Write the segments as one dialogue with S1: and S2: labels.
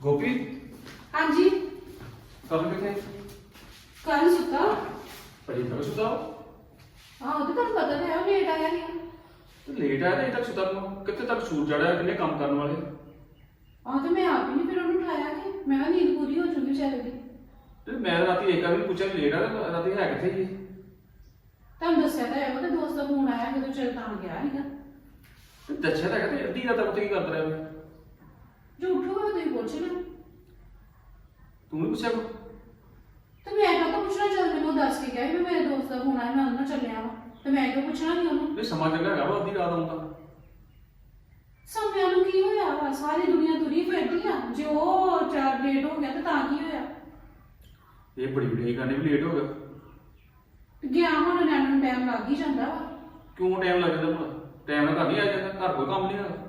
S1: ਗੋਪੀ
S2: ਹਾਂਜੀ
S1: ਕਦੋਂ ਕਿੱਥੇ
S2: ਕੱਲ ਸੁੱਤਾ
S1: ਪਰੀ ਤੱਕ ਸੁਤਾ
S2: ਆਹੋ ਤੇ ਤੁਹਾਨੂੰ ਪਤਾ ਤਾਂ ਹੈ ਉਹ ਲੇਟ ਆਇਆ ਸੀ
S1: ਤੇ ਲੇਟ ਆਇਆ ਤੇ ਅਜੇ ਤੱਕ ਸੁਤਾ ਨੂੰ ਕਿੱਥੇ ਤੱਕ ਸੂਰ ਚੜਿਆ ਕਿੰਨੇ ਕੰਮ ਕਰਨ ਵਾਲੇ
S2: ਆਹ ਤੇ ਮੈਂ ਆਪ ਹੀ ਨਹੀਂ ਫਿਰ ਉਹਨੂੰ ਉਠਾਇਆ ਕਿ ਮੈਂ ਕਿਹਾ ਨੀਂਦ ਪੂਰੀ ਹੋ ਚੁੱਕੀ ਵਿਚਾਰੇ ਦੀ
S1: ਤੇ ਮੈਂ ਰਾਤੀ ਇੱਕ ਵਾਰੀ ਪੁੱਛਿਆ ਵੀ ਲੇਟ ਆ ਤੇ ਰਾਤੀ ਹੈ ਕਿੱਥੇ ਜੀ
S2: ਤੁਹਾਨੂੰ ਦੱਸਿਆ ਤਾਂ ਹੈ ਉਹਦੇ ਦੋਸਤ ਦਾ ਫੋਨ ਆਇਆ ਜਦੋਂ ਚਲ ਤਾਂ ਗਿਆ ਸੀਗਾ
S1: ਤੇ ਦੱਸਿਆ ਤਾਂ ਹੈਗਾ ਤੇ ਅੱਧੀ ਰਾਤ ਤੱਕ ਉੱਥੇ ਕੀ ਕਰਦਾ ਰਿਹਾ ਮੈਂ
S2: ਜੋ ਉੱਠੂਗਾ ਤੁਸੀਂ ਪੁੱਛ ਲਿਓ
S1: ਤੂੰ ਵੀ ਪੁੱਛਿਆ ਕੋ
S2: ਤੇ ਮੈਂ ਕਹਾਂ ਪੁੱਛਣਾ ਚੱਲ ਮੈਨੂੰ ਦੱਸ ਕੇ ਗਿਆ ਵੀ ਮੇਰੇ ਦੋਸਤ ਦਾ ਫੋਨ ਆਇਆ ਮੈਂ ਉਹਨਾਂ ਨਾਲ ਚੱਲਿਆ ਵਾ ਤੇ ਮੈਂ ਕਿਉਂ ਪੁੱਛਣਾ ਨਹੀਂ ਉਹਨੂੰ
S1: ਵੀ ਸਮਾਂ ਚੰਗਾ ਹੈਗਾ ਵਾ ਅੱਧੀ ਰਾਤ ਆਉਂਦਾ
S2: ਸਮਿਆਂ ਨੂੰ ਕੀ ਹੋਇਆ ਵਾ ਸਾਰੀ ਦੁਨੀਆ ਤੁਰੀ ਫਿਰਦੀ ਆ ਜੇ ਉਹ ਚਾਰ ਲੇਟ ਹੋ ਗਿਆ ਤੇ ਤਾਂ ਕੀ ਹੋਇਆ
S1: ਇਹ ਬੜੀ ਵੱਡੀ ਗੱਲ ਵੀ ਲੇਟ ਹੋ ਗਿਆ
S2: ਤੇ ਗਿਆ ਹੁਣ ਨਿਆਣੇ ਨੂੰ ਟਾਈਮ ਲੱਗ ਹੀ ਜਾਂਦਾ ਵਾ
S1: ਕਿਉਂ ਟਾਈਮ ਲੱਗ ਜਾਂਦਾ ਭਲਾ ਟਾਈਮ ਨਾਲ ਘਰ ਨਹੀਂ ਆ ਜਾਂਦਾ ਘਰ ਕੋਈ ਕੰਮ ਨਹੀਂ ਹੈਗਾ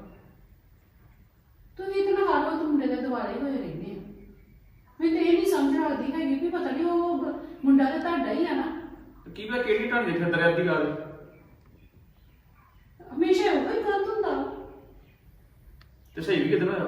S2: ਤੁਸੀਂ ਇਤਨਾ ਹਾਲੋ ਤੁਮ ਮੁੰਡੇ ਦੇ ਦੁਆਲੇ ਹੋਏ ਰਹਿੰਦੇ ਆ ਮੈਨੂੰ ਤੇ ਇਹ ਨਹੀਂ ਸਮਝ ਆਉਂਦੀ ਹੈਗੀ ਵੀ ਪਤਾ ਨਹੀਂ ਉਹ ਮੁੰਡਾ ਤਾਂ ਤੁਹਾਡਾ ਹੀ ਆ ਨਾ
S1: ਤੇ ਕੀ ਪਤਾ ਕਿਹੜੀ ਢਾਂਡੇ ਫਿਰਦਾ ਰਿਹਾ ਅੱਧੀ ਰਾਤ
S2: ਹਮੇਸ਼ਾ ਉਹ ਹੀ ਗਲਤ ਹੁੰਦਾ ਵਾ।
S1: ਤੇ ਸਹੀ ਵੀ ਕਿਦਾਂ ਹੋਇਆ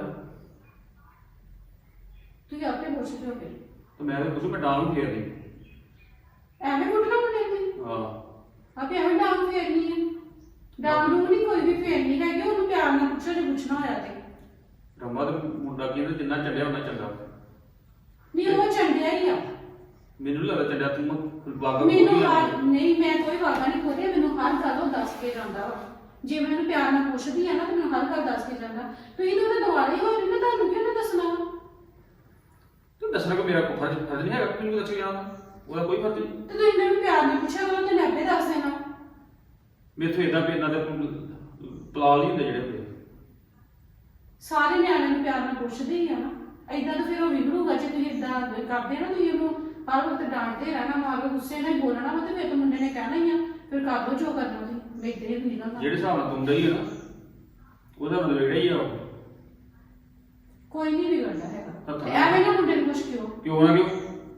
S2: ਤੁਸੀਂ ਆਪੇ ਪੁੱਛ ਲਿਓ ਫਿਰ
S1: ਤੇ ਮੈਂ ਤਾਂ ਪੁੱਛੂ ਮੈਂ ਡਾਲ ਨੂੰ ਫੇਰ ਦੇ
S2: ਐਵੇਂ ਕੁੱਟਣਾ ਮੁੰਡੇ ਨੂੰ
S1: ਹਾਂ
S2: ਆਪੇ ਐਵੇਂ ਡਾਂਗ ਫੇਰਨੀ ਹੈ ਡਾਂਗ ਨੂੰ ਨਹੀਂ ਕੋਈ ਵੀ ਫੇਰਨੀ ਹੈਗੀ ਉਹਨੂੰ ਪਿਆਰ ਨਾਲ ਪੁੱਛੋ ਜੇ ਪੁੱਛਣਾ ਹੋਇਆ ਤੇ
S1: ਰਮਾ ਤੇ ਮੁੰਡਾ ਕੀ ਕਹਿੰਦਾ ਜਿੰਨਾ ਚੱਲਿਆ ਉਹਨਾਂ ਚੰਗਾ
S2: ਨਹੀਂ ਉਹ ਚੰਡਿਆ ਹੀ ਆ
S1: ਮੈਨੂੰ ਨੀ ਲੱਗਦਾ ਚੱਲਿਆ ਤੂੰ ਵਾਗਾ
S2: ਮੈਨੂੰ ਹਰ ਨਹੀਂ ਮੈਂ ਕੋਈ ਵਾਗਾ ਨਹੀਂ ਖੋਲਿਆ ਮੈਨੂੰ ਹਰ ਗੱਲ ਉਹ ਦੱਸ ਕੇ ਜਾਂਦਾ ਵਾ ਜੇ ਮੈਂ ਉਹਨੂੰ ਪਿਆਰ ਨਾਲ ਪੁੱਛਦੀ ਆ ਨਾ ਤੇ ਮੈਨੂੰ ਹਰ ਗੱਲ ਦੱਸ ਕੇ ਜਾਂਦਾ ਤੁਸੀਂ ਤਾਂ ਉਹਦੇ ਦੁਆਲੇ ਹੋਏ ਨੇ ਤੁਹਾਨੂੰ ਕਿਉਂ ਨਾ ਦੱਸਣਾ ਵਾ?
S1: ਤੂੰ ਦੱਸਣਾ ਕਿ ਮੇਰਾ ਕੋਈ ਫਰਜ਼ ਨਹੀਂ ਹੈਗਾ ਕਿ ਮੈਨੂੰ ਦੱਸ ਜਾਣਾ ਉਹਦਾ ਕੋਈ ਫਰਜ਼ ਨਹੀਂ
S2: ਤੇ ਤੁਸੀਂ ਮੈਨੂੰ ਪਿਆਰ ਨਾਲ ਪੁੱਛਿਆ ਕਰੋ ਤੇ ਮੈਂ ਆਪੇ ਦੱਸ ਦੇਣਾ
S1: ਮੇਥੋਂ ਇਦਾਂ ਵੀ ਇਹਨਾਂ ਦੇ ਪਲਾਲ ਹੀ ਹੁੰਦੇ ਜਿਹੜੇ ਹੁੰਦੇ
S2: ਸਾਰੇ ਨਿਆਣਿਆਂ ਨੂੰ ਪਿਆਰ ਨਾਲ ਪੁੱਛਦੇ ਹੀ ਆ ਨਾ ਏਦਾਂ ਤਾਂ ਫਿਰ ਉਹ ਵਿਗੜੂਗਾ ਜੇ ਤੁਸੀਂ ਏਦਾਂ ਕਰਦੇ ਨਾ ਤੁਸੀਂ ਉਹਨੂੰ ਹਰ ਵਕਤ ਡਾਂਟਦੇ ਰਹਿਣਾ ਮਾਰੋ ਗੁੱਸੇ ਨਾਲ ਹੀ ਬੋਲਣਾ ਵਾ ਤੇ ਫਿਰ ਤਾਂ ਮੁੰਡੇ ਨੇ ਕਹਿਣਾ ਹੀ ਆ ਫਿਰ ਕਰ ਦੋ ਜੋ ਕਰਨਾ ਤੁਸੀਂ ਵੇਖਦੇ ਹੀ ਨਿਕਲਣਾ
S1: ਜਿਹੜੇ ਹਿਸਾਬ ਨਾਲ ਤੁੰਦਾ ਹੀ ਹੈ ਨਾ ਉਹਦਾ ਮਤਲਬ ਜਿਹੜਾ ਹੀ ਆ ਉਹ।
S2: ਕੋਈ ਨਹੀਂ ਵਿਗੜਦਾ ਹੈਗਾ
S1: ਹੱਥਾਂ
S2: ਤੇ ਐਵੇਂ ਨਾ ਮੁੰਡੇ ਨੂੰ ਕੁਛ ਕਿਉਂ
S1: ਕਿਉਂ ਨਾ ਕਿਉਂ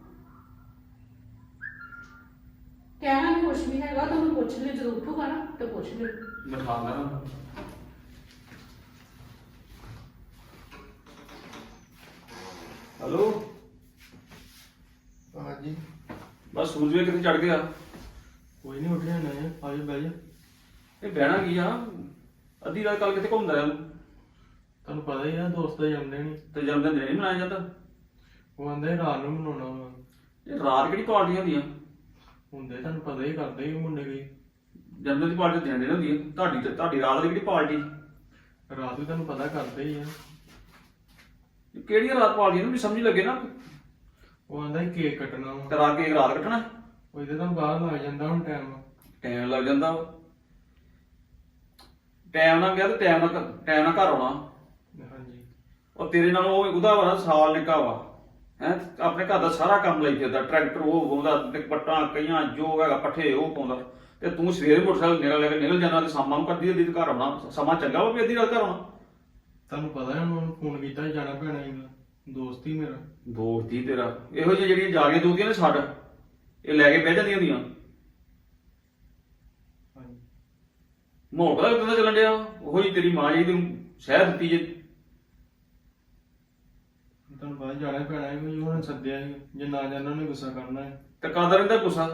S2: ਕਹਿਣਾ ਨਹੀਂ ਕੁਛ ਵੀ ਹੈਗਾ ਤੁਹਾਨੂੰ ਪੁੱਛ ਲਿਓ ਜਦੋਂ ਉੱਠੂਗਾ ਨਾ ਤੇ ਪੁੱਛ ਲਿਓ
S1: ਮੈਂ ਖਾਂਦਾ ਨਾ ਹੈਲੋ
S3: ਹਾਂਜੀ
S1: ਬਸ ਸੂਰਜ ਵੀ ਕਿਤੇ ਚੜ ਗਿਆ
S3: ਕੋਈ ਨਹੀਂ ਉੱਠਿਆ ਨਾ ਆਜੋ ਬਹਿ ਜਾ
S1: ਇਹ ਬਹਿਣਾ ਕੀ ਆ ਅੱਧੀ ਰਾਤ ਕੱਲ ਕਿੱਥੇ ਘੁੰਮਦਾ ਰਿਹਾ ਤੂੰ?
S3: ਤੁਹਾਨੂੰ ਪਤਾ ਹੀ ਆ ਦੋਸਤ ਦਾ ਜਨਮ ਦਿਨ
S1: ਤੇ ਜਨਮ ਦਿਨ ਨਹੀਂ ਮਨਾਇਆ ਜਾਂਦਾ
S3: ਉਹ ਆਂਦੇ ਰਾਤ ਨੂੰ ਮਨਾਉਣਾ ਵਾ
S1: ਇਹ ਰਾਤ ਕਿਹੜੀ ਪਾਰਟੀਆਂ ਹੁੰਦੀਆਂ
S3: ਹੁੰਦੇ ਤੁਹਾਨੂੰ ਪਤਾ ਹੀ ਕਰਦੇ ਹੀ ਮੁੰਡੇ ਵੀ
S1: ਜਨਮ ਦਿਨ ਦੀ ਪਾਰਟੀ ਦਿਨ ਦਿਨ ਹੁੰਦੀ ਹੈ ਤੁਹਾਡੀ ਰਾਤ ਦੀ ਕਿਹੜੀ ਪਾਰਟੀ
S3: ਰਾਤ ਵੀ ਤੁਹਾਨੂੰ ਪਤਾ ਕਰਦੇ ਹੀ ਆ
S1: ਕਿਹੜੀ ਰਾਤ ਪਾਰਟੀ ਨੂੰ ਵੀ ਸਮਝ ਲੱਗੇ ਨਾ
S3: ਉਹ ਆਂਦਾ ਹੀ ਕੇਕ ਕੱਟਣਾ ਵਾ
S1: ਕਰਾ ਕੇ ਰਾਤ ਕੱਟਣਾ
S3: ਉਹ ਇਹਦੇ ਤਾਂ ਬਾਹਰ ਲੱਗ ਜਾਂਦਾ ਹੁਣ
S1: ਟਾਈਮ ਲੱਗ ਜਾਂਦਾ ਟਾਈਮ ਨਾਲ ਗਿਆ ਤੇ ਟਾਈਮ ਨਾਲ ਘਰ ਆਉਣਾ
S3: ਹਾਂਜੀ
S1: ਉਹ ਤੇਰੇ ਨਾਲ ਉਹਦਾ ਵਾ ਸਾਲ ਨਿੱਕਾ ਵਾ ਹੈ ਆਪਣੇ ਘਰ ਦਾ ਸਾਰਾ ਕੰਮ ਲਈ ਫਿਰਦਾ ਟਰੈਕਟਰ ਉਹ ਪਾਉਂਦਾ ਪੱਟਾਂ ਕਈਆਂ ਜੋ ਹੈਗਾ ਪੱਠੇ ਉਹ ਪਾਉਂਦਾ ਤੇ ਤੂੰ ਸਵੇਰੇ ਮੋਟਰਸਾਈਕਲ ਨਿਕਲ ਜਾਣਾ ਤੇ ਸ਼ਾਮਾਂ ਨੂੰ ਕਰਦੀ ਅੱਧੀ ਘਰ ਆਉਣਾ ਸਮਾਂ ਚੰਗਾ ਵਾ ਵੀ ਅੱਧੀ ਰਾਤ ਘਰ ਆਉਣਾ
S3: ਤੁਹਾਨੂੰ ਪਤਾ ਹੈ ਉਹਨੂੰ ਫੋਨ ਕੀਤਾ ਜਾਣਾ ਪੈਣਾ ਸੀਗਾ ਦੋਸਤ ਹੀ ਮੇਰਾ
S1: ਦੋਸਤ ਹੀ ਤੇਰਾ ਇਹੋ ਜਿਹੀ ਜਿਹੜੀਆਂ ਜਾਗੇ ਦੋਤੀਆਂ ਨੇ ਛੱਡ ਇਹ ਲੈ ਕੇ ਬਹਿ ਜਾਂਦੀਆਂ ਹੁੰਦੀਆਂ
S3: ਹਾਂਜੀ
S1: ਮਾਹੌਲ ਪਤਾ ਕਿੱਦਾਂ ਦਾ ਚੱਲਣ ਡਿਆ ਉਹੋ ਜੀ ਤੇਰੀ ਮਾਂ ਜੀ ਤੈਨੂੰ ਸਹਿ ਦਿੱਤੀ ਜੇ
S3: ਤੁਹਾਨੂੰ ਪਤਾ ਜਾਣਾ ਪੈਣਾ ਸੀ ਕੋਈ ਉਹਨਾਂ ਨੇ ਸੱਦਿਆ ਸੀ ਜੇ ਨਾ ਜਾਣਾ ਉਹਨੇ ਗੁੱਸਾ ਕਰਨਾ ਹੈ
S1: ਤੇ ਕਰਦਾ ਰਹਿੰਦਾ ਗੁੱਸਾ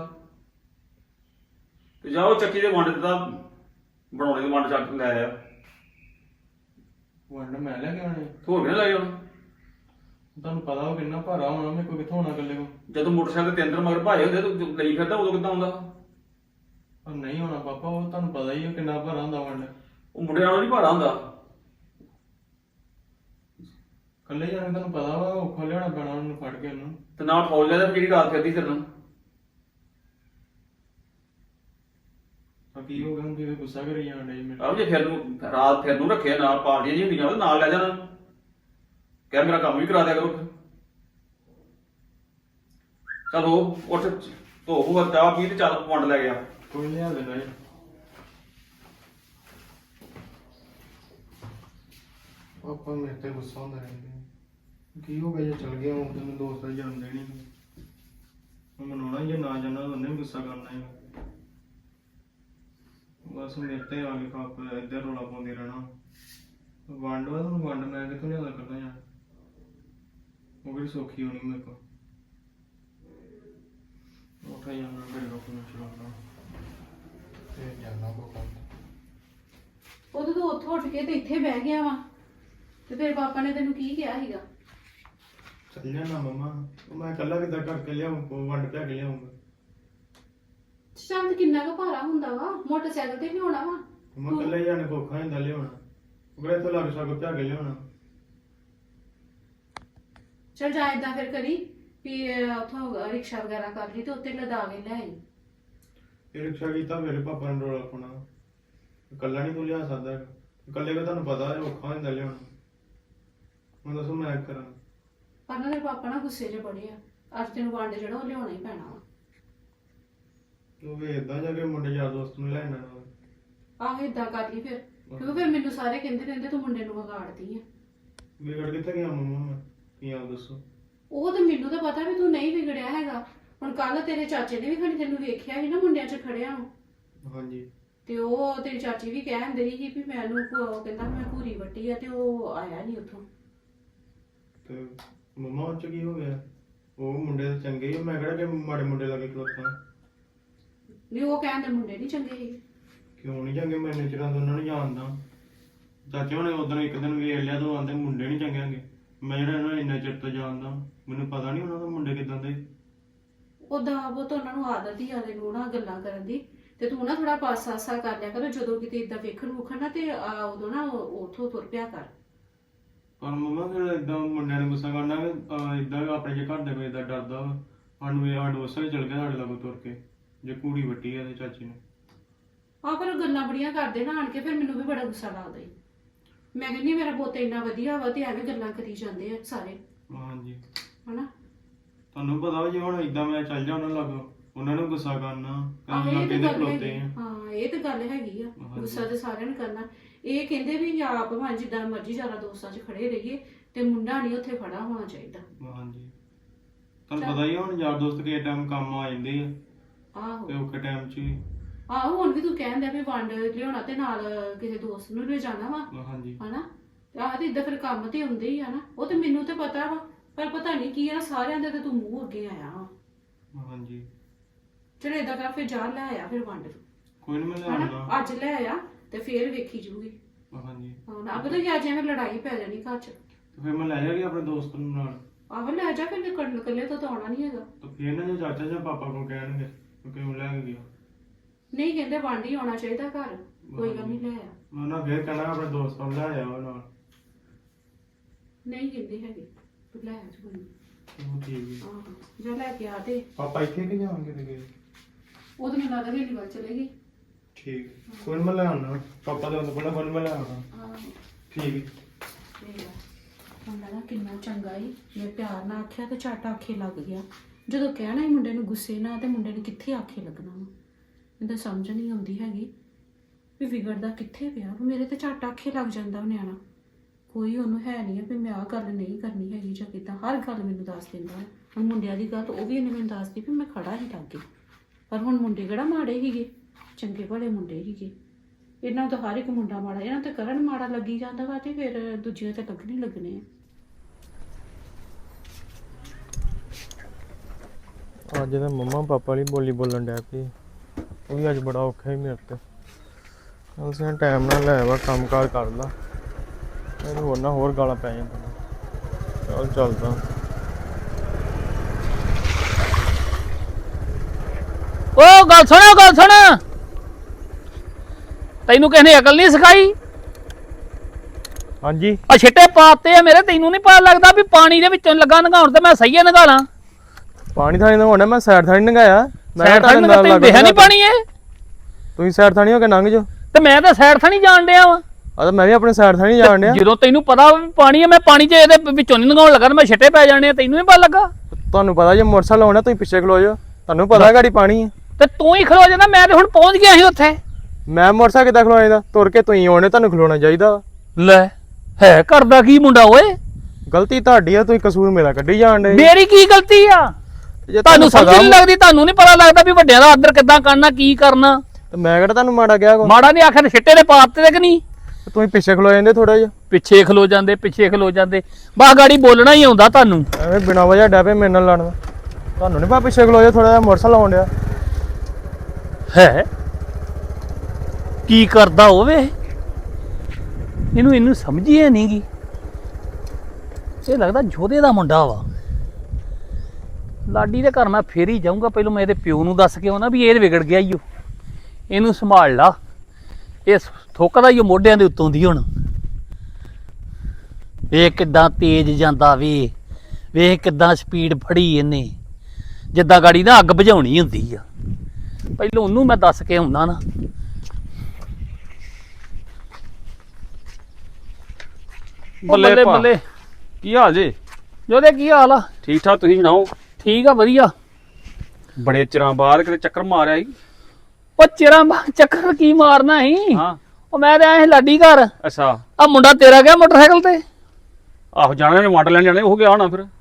S1: ਤੇ ਜਾਓ ਚੱਕੀ ਦੇ ਵੰਡ ਦਾ ਬਣਾਉਣੇ ਦੇ ਵੰਡ ਚੱਕ ਲੈ ਆ
S3: ਵੰਡ ਮੈਂ ਲੈ ਕੇ ਆਉਣੇ
S1: ਹੋਰ ਵੀ ਨਾ ਲੈ ਜਾਣਾ
S3: ਤੁਹਾਨੂੰ ਪਤਾ ਉਹ ਕਿੰਨਾ ਭਾਰਾ ਹੋਣਾ ਮੇਰੇ ਕੋਲ ਕਿੱਥੋਂ ਆਉਣਾ ਇਕੱਲੇ ਕੋ
S1: ਜਦੋਂ ਮੋਟਰਸਾਈਕਲ ਤੇ ਅੰਦਰ ਮਗਰ ਭਾਏ ਹੁੰਦੇ ਤੂੰ ਲਈ ਫਿਰਦਾ ਉਦੋਂ ਕਿੱਦਾਂ ਆਉਂਦਾ
S3: ਪਰ ਨਹੀਂ ਹੋਣਾ ਪਾਪਾ ਉਹ ਤੁਹਾਨੂੰ ਪਤਾ ਹੀ ਹੈ ਕਿੰਨਾ ਭਾਰਾ ਹੁੰਦਾ ਵੰਡ
S1: ਉਹ ਮੁੰਡੇ ਨਾਲੋਂ ਨਹੀਂ ਭਾਰਾ ਹੁੰਦਾ
S3: ਇਕੱਲੇ ਜਾਣੇ ਤੁਹਾਨੂੰ ਪਤਾ ਵਾ ਔਖਾ ਲਿਆਉਣਾ ਪੈਣਾ ਉਹਨੂੰ ਫੜ ਕੇ ਉਹਨੂੰ
S1: ਤੇ ਨਾਲ ਫੌਜ ਲੈ ਜਿਹੜੀ ਰਾਤ ਫਿਰਦੀ ਤੇਰੇ ਨਾਲ
S3: ਤਾਂ ਕੀ ਹੋ ਗਿਆ ਹੁਣ ਤੁਸੀਂ ਗੁੱਸਾ ਕਰੀ ਜਾਂਦੇ ਜੀ ਮੇਰੇ
S1: ਆਹ ਜੇ ਫਿਰ ਨੂੰ ਰਾਤ ਫਿਰ ਨੂੰ ਰੱਖਿਆ ਨਾਲ ਪਾਰਟੀਆਂ ਜੀ ਹੁੰਦੀਆਂ ਉਹਦੇ ਨਾਲ ਲੈ ਜਾਣਾ ਕਹਿ ਮੇਰਾ ਕੰਮ ਵੀ ਕਰਾ ਦਿਆ ਕਰੋ ਚਲੋ ਉੱਠ ਧੋ ਹੋ ਚਾਹ ਪੀ ਤੇ ਚੱਲ ਵੰਡ ਲੈ ਗਿਆ
S3: ਕੋਈ ਲਿਆ ਦੇਣਾ ਜੀ ਪਾਪਾ ਮੇਰੇ ਤੇ ਗੁੱਸਾ ਹੁੰਦਾ ਰਹਿੰਦਾ ਕੀ ਹੋ ਗਿਆ ਜੇ ਚਲ ਗਿਆ ਹੁਣ ਤੈਨੂੰ ਦੋਸਤ ਦਾ ਜਨਮ ਦਿਨ ਹੀ ਉਹ ਮਨਾਉਣਾ ਜੇ ਨਾ ਜਾਣਾ ਉਹਨੇ ਵੀ ਗੁੱਸਾ ਕਰਨਾ ਹੀ ਬਸ ਮੇਰੇ ਤੇ ਆ ਕੇ ਪਾਪ ਇੱਧਰ ਰੌਲਾ ਪਾਉਂਦੇ ਰਹਿਣਾ ਵੰਡ ਵਾ ਤੁਹਾਨੂੰ ਵੰਡ ਮੈਂ ਕਿੱਥੋਂ ਲਿਆਦਾ ਕਰਦਾ ਯਾਰ ਉਹ ਵੀ ਸੌਖੀ ਹੋਣੀ ਮੇਰੇ ਕੋਲ ਉੱਠ ਜਾਣਾ ਫਿਰ ਰੋਕਣਾ ਚਲਾਉਣਾ ਤੇ ਜਾਣਾ ਕੋ ਕੰਮ
S2: ਉਦੋਂ ਤੂੰ ਉੱਥੋਂ ਉੱਠ ਕੇ ਤੇ ਇੱਥੇ ਬਹਿ ਗਿਆ ਵਾ ਤੇ ਫਿਰ ਪਾਪਾ ਨੇ ਤੈਨੂੰ ਕੀ ਕਿਹਾ ਸੀਗਾ?
S3: ਚੱਲ ਜਾਣਾ ਮਮਾ ਮੈਂ ਇਕੱਲਾ ਕਿੱਦਾਂ ਕਰਕੇ ਲਿਆਉਂ ਵੰਡ ਪਿਆ ਕੇ ਲਿਆਉਂਗਾ
S2: ਚੰਦ ਕਿੰਨਾ ਕੁ ਭਾਰਾ ਹੁੰਦਾ ਵਾ, ਮੋਟਰਸਾਈਕਲ ਤੇ ਲਿਆਉਣਾ ਵਾ।
S3: ਮੈਂ ਇਕੱਲਾ ਹੀ ਜਾਣੇ ਕੋਖਾ ਹੁੰਦਾ ਲਿਆਉਣਾ ਉਹਦੇ ਤੋਂ ਲੱਗ ਸਕੋ ਪਿਆ ਕੇ ਲਿਆਉਣਾ
S2: ਚਲ ਜਾ ਏਦਾਂ ਫਿਰ ਕਰੀ ਵੀ ਉੱਥੋਂ ਰਿਕਸ਼ਾ ਵਗੈਰਾ ਕਰ ਲਈ ਤੇ ਉੱਤੇ ਲਦਾ ਕੇ ਲੈ ਆਈ।
S3: ਇਹ ਰਿਕਸ਼ਾ ਕੀਤਾ ਮੇਰੇ ਪਾਪਾ ਨੇ ਰੋਲਾ ਪਾਉਣਾ ਇਕੱਲਾ ਨਹੀਂ ਤੂੰ ਲਿਆ ਸਕਦਾ ਹੈਗਾ। ਇਕੱਲੇ ਦਾ ਤੁਹਾਨੂੰ ਪਤਾ ਹੈ ਔਖਾ ਹੁੰਦਾ ਲਿਆਉਣਾ ਮੈਂ ਦੱਸੋ ਮੈਂ ਕੀ ਕਰਾਂ
S2: ਪਰ ਨਾ ਤੇਰੇ ਪਾਪਾ ਨਾ ਗੁੱਸੇ 'ਚ ਬੜੇ ਆ, ਅੱਜ ਤੈਨੂੰ ਵੰਡ ਜਿਹੜਾ ਉਹ ਲਿਆਉਣਾ ਹੀ ਪੈਣਾ ਵਾ।
S3: ਤੂੰ ਵੇਖਦਾ ਜਾ ਕੇ ਮੁੰਡੇ ਯਾਰ ਦੋਸਤ ਨੂੰ ਲੈਣਾ ਨਾਲ
S2: ਆਹੋ ਏਦਾਂ ਕਰ ਲਈ ਫਿਰ, ਕਿਉਂਕਿ ਫਿਰ ਮੈਨੂੰ ਸਾਰੇ ਕਹਿੰਦੇ ਰਹਿੰਦੇ ਤੂੰ ਮੁੰਡੇ ਨੂੰ ਵਿਗਾੜਦੀ ਆ।
S3: ਵਿਗੜ ਕਿੱਥੇ ਗਿਆ ਮੰਮਾ ਮੈਂ ਕੀ ਆਪ ਦੱਸੋ
S2: ਉਹ ਤਾਂ ਮੈਨੂੰ ਤਾਂ ਪਤਾ ਵੀ ਤੂੰ ਨਹੀਂ ਵਿਗੜਿਆ ਹੈਗਾ। ਹੁਣ ਕੱਲ ਤੇਰੇ ਚਾਚੇ ਨੇ ਵੀ ਖੜੀ ਤੈਨੂੰ ਵੇਖਿਆ ਸੀ ਨਾ ਮੁੰਡਿਆਂ 'ਚ ਖੜਿਆ ਨੂੰ,
S3: ਹਾਂਜੀ
S2: ਤੇ ਉਹ ਤੇਰੀ ਚਾਚੀ ਵੀ ਕਹਿਣ ਰਹੀ ਸੀ ਵੀ ਮੈਨੂੰ ਉਹ ਕਹਿੰਦਾ ਮੈਂ ਭੂਰੀ ਵੱਟੀ ਆ ਤੇ ਉਹ ਆਇਆ ਨਹੀਂ ਉੱਥੋਂ।
S3: ਤੇ ਮੰਮਾ ਉਹ ਚ ਕੀ ਹੋ ਗਿਆ ਉਹ ਮੁੰਡੇ ਤਾਂ ਚੰਗੇ ਹੀ ਆ, ਮੈਂ ਕਿਹੜਾ ਕਿ ਮਾੜੇ ਮੁੰਡੇ ਲੱਗੇ ਖਲੋਤਾ
S2: ਨਹੀਂ ਉਹ ਕਹਿੰਦੇ ਮੁੰਡੇ ਨਹੀਂ ਚੰਗੇ ਸੀ।
S3: ਕਿਉਂ ਨਹੀਂ ਚੰਗੇ ਮੈਂ ਨੇਚਰਾਂ ਤੋਂ ਉਹਨਾਂ ਨੂੰ ਜਾਣਦਾ ਚਾਚੇ ਹੁਣੇ ਉਦੋਂ ਇੱਕ ਦਿਨ ਵੇਖ ਲਿਆ ਤਾਂ ਆਂਦੇ ਮੁੰਡੇ ਨਹੀਂ ਚੰਗੇ ਹੈਗੇ ਮੈਂ ਜਿਹੜਾ ਇਹਨਾਂ ਨੂੰ ਇੰਨਾ ਚਿਰ ਤੋਂ ਜਾਣਦਾ ਮੈਨੂੰ ਪਤਾ ਨਹੀਂ ਉਹਨਾਂ ਦਾ ਮੁੰਡੇ ਕਿਦਾਂ ਦੇ
S2: ਉਦਾਂ ਉਹ ਤਾਂ ਉਹਨਾਂ ਨੂੰ ਆਦਤ ਹੀ ਆਦੇ ਨੂੰ ਨਾ ਗੱਲਾਂ ਕਰਨ ਦੀ, ਤੇ ਤੂੰ ਨਾ ਥੋੜਾ ਪਾਸਾ ਕਰ ਲਿਆ ਕਰ ਜਦੋਂ ਕਿਤੇ ਇਦਾਂ ਵੇਖਣ ਵੂਖਣ ਨਾ ਤੇ ਉਦੋਂ ਨਾ ਉਥੋਂ ਤੁਰ ਪਿਆ ਕਰ।
S3: ਪਰ ਮੰਮਾ ਫਿਰ ਏਦਾਂ ਮੁੰਡਿਆਂ ਨੂੰ ਗੁੱਸਾ ਕਰਨਾ ਏਦਾਂ ਆਪਣੇ ਜੇ ਘਰ ਦੇ ਕੋਈ ਏਦਾਂ ਡਰਦਾ ਵਾ ਸਾਨੂੰ ਇਹ ਸਾਡੇ ਉਸੇ ਚਲ ਗਿਆ ਸਾਡੇ ਲਾਗੋਂ ਤੁਰ ਕੇ ਜੇ ਕੂੜੀ ਵੱਟੀ ਆ ਤੇ ਚਾਚੀ ਨੇ
S2: ਆਹ ਪਰ ਉਹ ਗੱਲਾਂ ਬੜੀਆਂ ਕਰਦੇ ਨਾ ਆਣ ਕੇ, ਫਿਰ ਮੈਨੂੰ ਵੀ ਬੜਾ ਗੁੱਸਾ ਲੱਗਦਾ ਈ। ਮੈਂ ਕਹਿੰਦੀ ਮੇਰਾ ਪੁੱਤ ਇੰਨਾ ਵਧੀਆ ਵਾ ਤੇ ਐਵੇਂ ਗੱਲਾਂ ਕਰੀ ਜਾਂਦੇ ਆ ਸਾਰੇ
S3: ਹਾਂਜੀ
S2: ਹਨਾ।
S3: ਤੁਹਾਨੂੰ ਪਤਾ ਵਾ ਜੇ ਹੁਣ ਏਦਾਂ ਮੈਂ ਚੱਲ ਜਾ ਉਹਨਾਂ ਲਾਗੋਂ ਉਹਨਾਂ ਨੂੰ ਗੁੱਸਾ ਕਰਨਾ
S2: ਆਹੋ
S3: ਕਈ
S2: ਇਹ
S3: ਲੱਗੇ
S2: ਤਾਂ
S3: ਦੇ
S2: ਗੱਲ
S3: ਖਲੋਤੇ
S2: ਹੈਗੀ,
S3: ਆ
S2: ਹਾਂ ਇਹ ਤਾਂ ਗੱਲ ਹੈਗੀ ਆ।
S3: ਹਾਂਜੀ।
S2: ਗੁੱਸਾ ਤੇ ਸਾਰਿਆਂ ਨੂੰ ਕਰਨਾ। ਇਹ ਕਹਿੰਦੇ ਵੀ ਆਪ ਭਾਵੇਂ ਜਿੱਦਾਂ ਮਰਜ਼ੀ ਜ਼ਿਆਦਾ ਦੋਸਤਾਂ 'ਚ ਖੜੇ ਰਹੀਏ ਤੇ ਮੁੰਡਾ ਨਹੀਂ ਉੱਥੇ ਖੜਾ ਹੋਣਾ ਚਾਹੀਦਾ।
S3: ਹਾਂਜੀ ਤੁਹਾਨੂੰ ਪਤਾ ਹੀ ਆ ਹੁਣ ਯਾਰ ਦੋਸਤ ਕਿਸੇ ਟਾਈਮ ਕੰਮ ਆ ਜਾਂਦੇ ਆ
S2: ਆਹੋ
S3: ਤੇ ਔਖੇ ਟਾਈਮ 'ਚ ਹੀ
S2: ਆਹੋ ਹੁਣ ਵੀ ਤੂੰ ਕਹਿੰਦਾ ਵੀ ਵੰਡ ਲਿਆਉਣਾ ਤੇ ਨਾਲ ਕਿਸੇ ਦੋਸਤ ਨੂੰ ਲੈ ਜਾਣਾ ਵਾ
S3: ਹਾਂਜੀ
S2: ਹਨਾ। ਆਹ ਤੇ ਇਦਾਂ ਫਿਰ ਕੰਮ ਤੇ ਹੁੰਦੇ ਹੀ ਆ ਨਾ। ਉਹ ਤੇ ਮੈਨੂੰ ਤੇ ਪਤਾ ਵਾ ਪਰ ਪਤਾ ਨਹੀਂ ਕੀ ਆ ਸਾਰਿਆਂ ਦੇ ਤੇ ਤੂੰ ਮੂੰਹ ਅੱਗੇ ਆਇਆ ਵਾ।
S3: ਹਾਂਜੀ
S2: ਚਲ ਏਦਾਂ ਕਰ ਫਿਰ ਜਾ ਲੈ ਆਇਆ ਫਿਰ ਵੰਡ
S3: ਕੋਈ ਨਹੀਂ ਮੈਂ ਲੈ
S2: ਹਨਾ।
S3: ਆਉਣਾ
S2: ਅੱਜ ਲੈ ਆਇਆ ਤੇ ਫੇਰ ਵੇਖੀ ਜੂਗੀ।
S3: ਹਾਂਜੀ
S2: ਹਾਂ ਨਾ ਪਤਾ ਕਿ ਅੱਜ ਐਵੇਂ ਲੜਾਈ ਪੈ ਜਾਣੀ ਘਰ 'ਚ।
S3: ਤੇ ਫਿਰ ਮੈਂ ਲੈ ਜਾਗੀ ਆਪਣੇ ਦੋਸਤ ਨੂੰ ਨਾਲ
S2: ਆਹੋ ਲੈ ਜਾ ਫਿਰ ਇਕੱਲੇ ਤੋਂ ਆਉਣਾ ਨਹੀਂ ਹੈਗਾ।
S3: ਤੇ ਫਿਰ ਨਾ ਜੇ ਚਾਚਾ ਜਾਂ ਪਾਪਾ ਕੋਲ ਕਹਿਣਗੇ ਕਿ ਕਿਉਂ ਲੈ ਕੇ ਗਿਆ
S2: ਨਹੀਂ ਕਹਿੰਦੇ ਵੰਡ ਹੀ ਆਉਣਾ ਚਾਹੀਦਾ ਘਰ, ਕੋਈ ਗੱਲ ਨਹੀਂ ਲੈ ਆ।
S3: ਮੈਂ ਉਹਨਾਂ ਫਿਰ ਕਹਿਣਾ ਆਪਣੇ ਦੋਸਤ ਨੂੰ ਲੈ ਆਇਆ ਉਹ ਨਾਲ
S2: ਨਹੀਂ ਕਹਿੰਦੇ ਹੈਗੇ ਤੂੰ ਲੈ ਆ ਜੀ।
S3: ਉਹ ਠੀਕ ਹੈ
S2: ਆਹੋ ਜਾ ਲੈ ਕੇ ਆ ਤੇ
S3: ਪਾਪਾ ਇੱਥੇ ਕਿ ਜਾਣਗੇ ਤੇ ਗਏ
S2: ਉਹ ਤਾਂ ਮੈਨੂੰ ਲੱਗਦਾ ਹਵੇਲੀ ਵੱਲ ਚਲੇਗੀ।
S3: ਠੀਕ ਕੋਈ ਨੀ ਮੈਂ ਲੈ ਆਉਣਾ ਪਾਪਾ ਦੇ ਤੋਂ ਪਹਿਲਾਂ ਮੈਂ ਲੈ ਆਉਣਾ
S2: ਆਹੋ
S3: ਠੀਕ ਹੈ
S2: ਠੀਕ ਆ। ਮੁੰਡਾ ਨਾ ਕਿੰਨਾ ਚੰਗਾ ਈ, ਮੈਂ ਪਿਆਰ ਨਾਲ ਆਖਿਆ ਤੇ ਝੱਟ ਆਖੇ ਲੱਗ ਗਿਆ। ਜਦੋਂ ਕਹਿਣਾ ਹੀ ਮੁੰਡੇ ਨੂੰ ਗੁੱਸੇ ਨਾਲ ਤੇ ਮੁੰਡੇ ਨੂੰ ਕਿੱਥੇ ਆਖੇ ਲੱਗਣਾ ਵਾ। ਮੈਨੂੰ ਤਾਂ ਸਮਝ ਨਹੀਂ ਆਉਂਦੀ ਹੈਗੀ ਵੀ ਵਿਗੜਦਾ ਕਿੱਥੇ ਪਿਆ। ਮੇਰੇ ਤੇ ਝੱਟ ਆਖੇ ਲੱਗ ਜਾਂਦਾ ਉਹ ਨਿਆਣਾ। ਕੋਈ ਉਹਨੂੰ ਹੈ ਨਹੀਂ ਆ ਵੀ ਮੈਂ ਆਹ ਗੱਲ ਨਹੀਂ ਕਰਨੀ ਹੈਗੀ ਜਾਂ ਕਿੱਦਾਂ। ਹਰ ਗੱਲ ਮੈਨੂੰ ਦੱਸ ਦਿੰਦਾ ਹੈ। ਹੁਣ ਮੁੰਡਿਆਂ ਦੀ ਗੱਲ ਉਹ ਵੀ ਇਹਨੇ ਮੈਨੂੰ ਦੱਸਦੀ ਵੀ ਮੈਂ ਖੜਾ ਹੀ ਲੱਗੇ। ਪਰ ਹੁਣ ਮੁੰਡੇ ਕਿਹੜਾ ਮਾੜੇ ਸੀਗੇ, ਚੰਗੇ ਭਲੇ ਮੁੰਡੇ ਸੀਗੇ। ਇਹਨਾਂ ਤੋਂ ਹਰ ਇੱਕ ਮੁੰਡਾ ਮਾੜਾ, ਇਹਨਾਂ ਤੇ ਕਰਨ ਮਾੜਾ ਲੱਗੀ ਜਾਂਦਾ ਵਾ ਤੇ ਫਿਰ ਦੂਜਿਆਂ ਤੇ ਲੱਗਣੇ ਲੱਗਣੇ ਆ।
S3: ਅੱਜ ਤਾਂ ਮੰਮਾ ਪਾਪਾ ਵਾਲੀ ਬੋਲੀ ਬੋਲਣ ਡਿਆ ਪਈ ਉਹ ਵੀ ਅੱਜ ਬੜਾ ਔਖਾ ਹੀ ਮੇਰੇ ਤੇ ਅਸੀਂ ਟਾਈਮ ਨਾਲ ਲੈ ਵਾ ਕੰਮ ਕਾਰ ਕਰ ਲਾ ਇਹਨੂੰ ਹੋਰ ਨਾ ਹੋਰ ਗਾਲਾਂ ਪੈ ਜਾਂਦੀਆਂ ਚੱਲ ਚੱਲਦਾ
S4: ਓ ਗੱਲ ਸੁਣ ਤੈਨੂੰ ਕਿਸੇ ਨੇ ਅਕਲ ਨਹੀਂ ਸਿਖਾਈ?
S3: ਹਾਂਜੀ
S4: ਆ ਛਿੱਟੇ ਪਾਤੇ ਆ ਮੇਰੇ, ਤੈਨੂੰ ਨਹੀਂ ਪਤਾ ਲੱਗਦਾ ਵੀ ਪਾਣੀ ਦੇ ਵਿੱਚੋਂ ਲੱਗਾ ਨਗਾਉਣ ਤੇ ਮੈਂ ਸਹੀਏ ਨਗਾਲਾਂ?
S3: ਪਾਣੀ ਥਾਣੀ ਦਾ ਹੋਣਾ ਮੈਂ ਸਾਈਡ ਥਾਣੀ ਨੰਗਾਇਆ
S4: ਸਾਈਡ ਥਾਣੀ ਨਗਾ ਤੈਨੂੰ ਦੇਖਿਆ ਨਹੀਂ ਪਾਣੀ ਇਹ?
S3: ਤੁਸੀਂ ਸਾਈਡ ਥਾਣੀ ਹੋ ਕੇ ਲੰਘ ਜਾਓ
S4: ਤੇ ਮੈਂ ਤਾਂ ਸਾਈਡ ਥਾਣੀ ਜਾਣ ਡਿਆ ਵਾ।
S3: ਆ ਤਾਂ ਮੈਂ ਵੀ ਆਪਣੇ ਸਾਈਡ ਥਾਣੀ ਜਾਣ ਡਿਆ
S4: ਜਦੋਂ ਤੈਨੂੰ ਪਤਾ ਵੀ ਪਾਣੀ ਆ, ਮੈਂ ਪਾਣੀ 'ਚ ਇਹਦੇ ਵਿੱਚੋਂ ਨਹੀਂ ਨਗਾਉਣ ਲੱਗਾ ਤੇ ਮੈਂ ਛਿੱਟੇ ਪੈ ਜਾਣੇ ਆ, ਤੈਨੂੰ ਨਹੀਂ ਪਤਾ ਲੱਗਾ?
S3: ਤੁਹਾਨੂੰ ਪਤਾ ਜੇ ਮੋਟਰਸਾਈਕਲ ਆਉਣਾ ਤੁਸੀਂ ਪਿੱਛੇ ਖਲੋ ਜਾਓ ਤੁਹਾਨੂੰ ਪਤਾ ਗਾੜੀ ਪਾਣੀ ਹੈ
S4: ਤੇ ਤੂੰ ਹੀ ਖਲੋ ਜਾਂਦਾ, ਮੈਂ ਤੇ ਹੁਣ ਪਹੁੰਚ ਗਿਆ ਸੀ ਉੱਥੇ।
S3: ਮੈਂ ਮੋਟਰਸਾਈਕਲ ਕਿੱਦਾਂ ਖਲੋਣਾ ਚਾਹੀਦਾ ਤੁਰ ਕੇ ਤੁਸੀਂ ਆਉਣੇ ਤੁਹਾਨੂੰ ਖਲੋਣਾ ਚਾਹੀਦਾ
S4: ਲੈ ਹੈ ਕਰਦਾ ਕੀ ਮੁੰਡਾ ਓਏ?
S3: ਗਲਤੀ ਤੁਹਾਡੀ ਆ ਤੁਸੀਂ ਕਸੂਰ ਮੇਰਾ ਕੱਢੀ ਜਾਣ ਡੇ
S4: ਮੇਰੀ ਕੀ ਗਲਤੀ ਆ? ਤੁਹਾਨੂੰ ਸਮਝ ਨਹੀਂ ਲੱਗਦੀ, ਤੁਹਾਨੂੰ ਨਹੀਂ ਪਤਾ ਲੱਗਦਾ ਵੀ ਵੱਡਿਆਂ ਦਾ ਆਦਰ ਕਿੱਦਾਂ ਕਰਨਾ ਕੀ ਕਰਨਾ?
S3: ਤੇ ਮੈਂ ਕਿਹੜਾ ਤੁਹਾਨੂੰ ਮਾੜਾ ਕਿਹਾ ਕੋ
S4: ਮਾੜਾ ਨਹੀਂ ਆਖਿਆ, ਛਿੱਟੇ ਦੇ ਪਾਤੇ ਕਿ ਨਹੀਂ?
S3: ਤੁਸੀਂ ਪਿੱਛੇ ਖਲੋ ਜਾਂਦੇ ਥੋੜਾ ਜਿਹਾ,
S4: ਪਿੱਛੇ ਖਲੋ ਜਾਂਦੇ ਬਾ ਗਾੜੀ ਬੋਲਣਾ ਹੀ ਆਉਂਦਾ ਤੁਹਾਨੂੰ।
S3: ਐਵੇਂ ਬਿਨਾਂ ਵਜ੍ਹਾ ਡੈ ਪਏ ਮੇਰੇ ਨਾਲ ਲੜਨ। ਤੁਹਾਨੂੰ ਨਹੀਂ ਪਾ ਪਿੱਛੇ ਖਲੋ ਜਾ ਥੋੜਾ ਜਿਹਾ, ਮੋਟਰਸਾਈਕਲ ਆਉਣ ਡਿਆ।
S4: ਹੈ ਕੀ ਕਰਦਾ ਹੋਵੇ ਇਹਨੂੰ ਸਮਝ ਹੀ ਨਹੀਂ ਗੀ। ਇਹ ਲੱਗਦਾ ਜੋਧੇ ਦਾ ਮੁੰਡਾ ਵਾ। ਲਾਡੀ ਦੇ ਘਰ ਮੈਂ ਫੇਰ ਹੀ ਜਾਊਂਗਾ, ਪਹਿਲਾਂ ਮੈਂ ਇਹਦੇ ਪਿਓ ਨੂੰ ਦੱਸ ਕੇ ਆਉਣਾ ਵੀ ਇਹ ਵਿਗੜ ਗਿਆ ਈ ਓ, ਇਹਨੂੰ ਸੰਭਾਲ ਲਾ। ਇਹ ਥੁੱਕਦਾ ਈ ਓ ਮੋਢਿਆਂ ਦੇ ਉੱਤੋਂ ਦੀ। ਹੁਣ ਵੇਖ ਕਿੱਦਾਂ ਤੇਜ਼ ਜਾਂਦਾ, ਵੇਖ ਕਿੱਦਾਂ ਸਪੀਡ ਫੜੀ ਇਹਨੇ, ਜਿੱਦਾਂ ਗਾੜੀ ਨਾ ਅੱਗ ਬੁਝਾਉਣੀ ਹੁੰਦੀ ਆ। ਪਹਿਲਾਂ ਉਹਨੂੰ ਮੈਂ ਦੱਸ ਕੇ ਆਉਣਾ ਨਾ। ਬੱਲੇ ਬੱਲੇ,
S1: ਕੀ ਹਾਲ ਜੀ?
S4: ਜੋਦੇ ਕੀ ਹਾਲ ਆ?
S1: ਠੀਕ ਠਾਕ, ਤੁਸੀਂ ਸੁਣਾਓ?
S4: ਠੀਕ ਆ, ਵਧੀਆ।
S1: ਬੜੇ ਚਿਰਾਂ ਬਾਅਦ ਕਿਤੇ ਚੱਕਰ ਮਾਰਿਆ ਸੀ।
S4: ਉਹ ਚਿਰਾਂ ਬਾਅਦ ਚੱਕਰ ਕੀ ਮਾਰਨਾ ਸੀ?
S1: ਹਾਂ।
S4: ਉਹ ਮੈਂ ਤੇ ਆਇਆ ਸੀ ਲਾਡੀ ਘਰ।
S1: ਅੱਛਾ।
S4: ਆ ਮੁੰਡਾ ਤੇਰਾ ਗਿਆ ਮੋਟਰਸਾਈਕਲ ਤੇ?
S1: ਆਹੋ, ਜਾਣਾ ਨੇ ਵੰਡ ਲੈਣ ਜਾਣੇ, ਉਹ ਗਿਆ ਹੋਣਾ ਫਿਰ।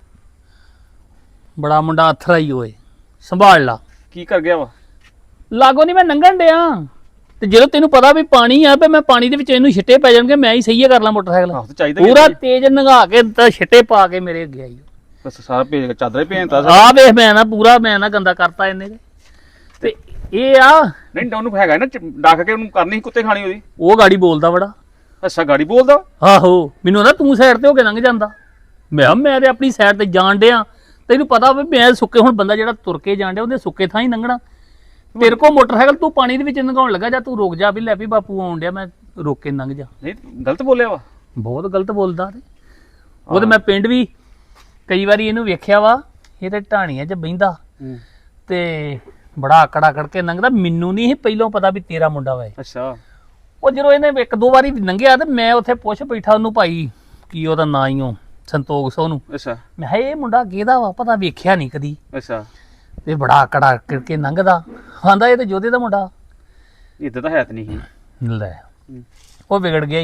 S4: ਬੜਾ ਮੁੰਡਾ ਅਥਰਾ ਹੀ ਓਏ, ਸੰਭਾਲ ਲਾ।
S1: ਕੀ ਕਰ ਗਿਆ ਵਾ?
S4: ਲਾਗੋ ਨਹੀਂ ਮੈਂ ਲੰਘਣ ਡਿਆ ਤੇ ਜਦੋਂ ਤੈਨੂੰ ਪਤਾ ਵੀ ਪਾਣੀ ਆ, ਤੇ ਮੈਂ ਪਾਣੀ ਦੇ ਵਿੱਚ ਇਹਨੂੰ ਛਿੱਟੇ ਪੈ ਜਾਣਗੇ, ਮੈਂ ਹੀ ਸਹੀ ਕਰ ਲਾਂ ਮੋਟਰਸਾਈਕਲ।
S1: ਆਹੋ, ਤੇ ਚਾਹੀਦਾ
S4: ਪੂਰਾ ਤੇਜ਼ ਨੰਗਾ ਕੇ ਤਾਂ ਛਿੱਟੇ ਪਾ ਕੇ ਮੇਰੇ ਅੱਗੇ ਆਈ।
S1: ਬਸ ਸਾਰਾ ਭੇਜ ਕੇ ਚਾਦਰੇ ਭੇਜਤਾ।
S4: ਆ ਵੇਖ, ਮੈਂ ਨਾ ਪੂਰਾ ਗੰਦਾ ਕਰਤਾ ਇਹਨੇ ਤੇ ਇਹ ਆ।
S1: ਨਹੀਂ, ਉਹਨੂੰ ਹੈਗਾ ਨਾ ਡੱਕ ਕੇ ਉਹਨੂੰ ਕਰਨੀ ਸੀ ਕੁੱਤੇ ਖਾਣੀ ਉਹਦੀ।
S4: ਉਹ ਗਾੜੀ ਬੋਲਦਾ ਬੜਾ।
S1: ਅੱਛਾ, ਗਾੜੀ ਬੋਲਦਾ?
S4: ਆਹੋ, ਮੈਨੂੰ ਨਾ ਤੂੰ ਸਾਈਡ ਤੇ ਹੋ ਕੇ ਲੰਘ ਜਾਂਦਾ। ਮੈਂ ਤੇ ਆਪਣੀ ਸਾਈਡ ਤੇ ਜਾਣ ਡਿਆ, ਤੈਨੂੰ ਪਤਾ ਵੀ ਮੈਂ ਸੁੱਕੇ, ਹੁਣ ਬੰਦਾ ਜਿਹੜਾ ਤੁਰ ਕੇ ਜਾਣ ਡਿਆ ਉਹਦੇ ਸੁੱਕੇ ਥਾਂ ਹੀ ਲੰਘਣਾ। ਤੇਰੇ ਕੋਲ ਮੋਟਰਸਾਈਕਲ ਤੂੰ ਪਾਣੀ ਦੇ ਵਿੱਚ ਲੰਘਾਉਣ ਲੱਗਾ, ਜਾਂ ਤੂੰ ਰੁਕ ਜਾ ਵੀ ਲੈ ਵੀ ਬਾਪੂ ਆਉਣ ਡਿਆ, ਮੈਂ ਰੋਕ ਕੇ ਲੰਘ ਜਾ।
S1: ਨਹੀਂ, ਗਲਤ ਬੋਲਿਆ ਵਾ?
S4: ਬਹੁਤ ਗਲਤ ਬੋਲਦਾ ਤੇ ਉਹ ਤੇ ਮੈਂ ਪਿੰਡ ਵੀ ਕਈ ਵਾਰੀ ਇਹਨੂੰ ਵੇਖਿਆ ਵਾ, ਇਹ ਤੇ ਢਾਣੀਆਂ 'ਚ ਬਹਿੰਦਾ ਤੇ ਬੜਾ ਆਕੜ ਕੇ ਲੰਘਦਾ। ਮੈਨੂੰ ਨਹੀਂ ਪਹਿਲਾਂ ਪਤਾ ਵੀ ਤੇਰਾ ਮੁੰਡਾ ਵਾ।
S1: ਅੱਛਾ।
S4: ਉਹ ਜਦੋਂ ਇਹਨੇ ਇੱਕ ਦੋ ਵਾਰੀ ਲੰਘਿਆ ਤੇ ਮੈਂ ਉੱਥੇ ਪੁੱਛ ਬੈਠਾ ਉਹਨੂੰ, ਭਾਈ ਕੀ ਉਹਦਾ ਨਾਂ ਹੀ ਉਹ ਸੰਤੋਖ ਸੋ ਨੂੰ।
S1: ਅੱਛਾ।
S4: ਮੈਂ ਕਿਹਾ ਇਹ ਮੁੰਡਾ ਕਿਹਦਾ ਵਾ, ਪਤਾ ਵੇਖਿਆ ਨਹੀਂ ਕਦੀ।
S1: ਅੱਛਾ।
S4: ਤੇ ਬੜਾ ਆਕੜ ਕੇ ਲੰਘਦਾ, ਆਂਦਾ ਇਹ ਤੇ ਜੋਧੇ ਦਾ ਮੁੰਡਾ।
S1: ਇੱਦਾਂ ਤਾਂ ਹੈ ਤੇ ਨਹੀਂ।
S4: ਲੈ ਉਹ ਵਿਗੜ ਗਿਆ ਹੀ।